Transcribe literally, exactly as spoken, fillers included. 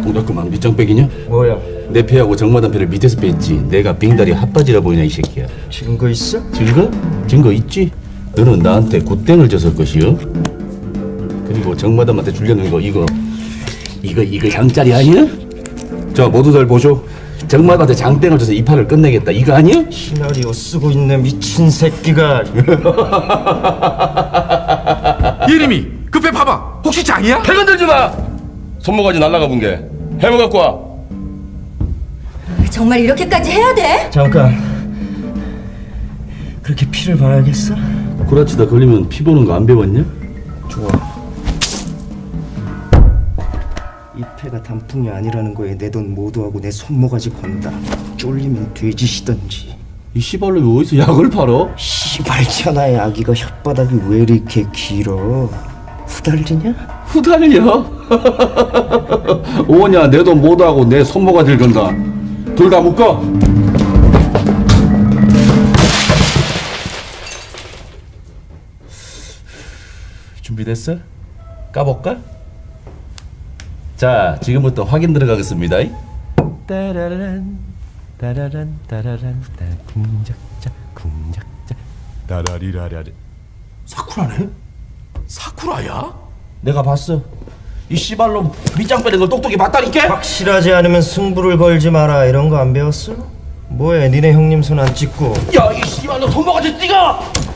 동작그만 밑장빼기냐? 뭐야? 내 패하고 정마담 패를 밑에서 뺐지. 내가 빙다리 핫바지라 보이냐 이 새끼야. 증거 있어? 증거? 증거 있지? 너는 나한테 굿땡을 줬을 것이요. 그리고 정마담한테 주려는 거 이거 이거 이거 장짜리 아니야? 자 모두들 보쇼. 정마담한테 장땡을 줘서 이 판을 끝내겠다 이거 아니야? 시나리오 쓰고 있네 미친 새끼가. 예림이 급해 봐봐. 혹시 장이야? 패 건들지 마. 손모가지 날라가 본 게 해머 갖고 와. 정말 이렇게까지 해야 돼? 잠깐. 그렇게 피를 봐야겠어? 구라치다 걸리면 피 보는 거 안 배웠냐? 좋아. 이 패가 단풍이 아니라는 거에 내 돈 모두하고 내 손모가지 건다. 쫄리면 돼지시던지. 이 씨발놈이 어디서 약을 팔어? 씨발잖아. 아기가 혓바닥이 왜 이렇게 길어? 후달리냐? 후달려? 오냐 내 돈 모두하고 내 손모가지를 건다. 둘 다 묶어. 준비됐어? 까볼까? 자 지금부터 확인 들어가겠습니다. 따라란 따라란 따라란 따 궁작자 궁작자 따라리라라리. 사쿠라네? 사쿠라야? 내가 봤어. 이 씨발놈 밑장 빼는 걸 똑똑히 봤다니까? 확실하지 않으면 승부를 걸지 마라. 이런 거 안 배웠어? 뭐해? 니네 형님 손 안 찍고. 야 이 씨발놈 손모가지 뛰어!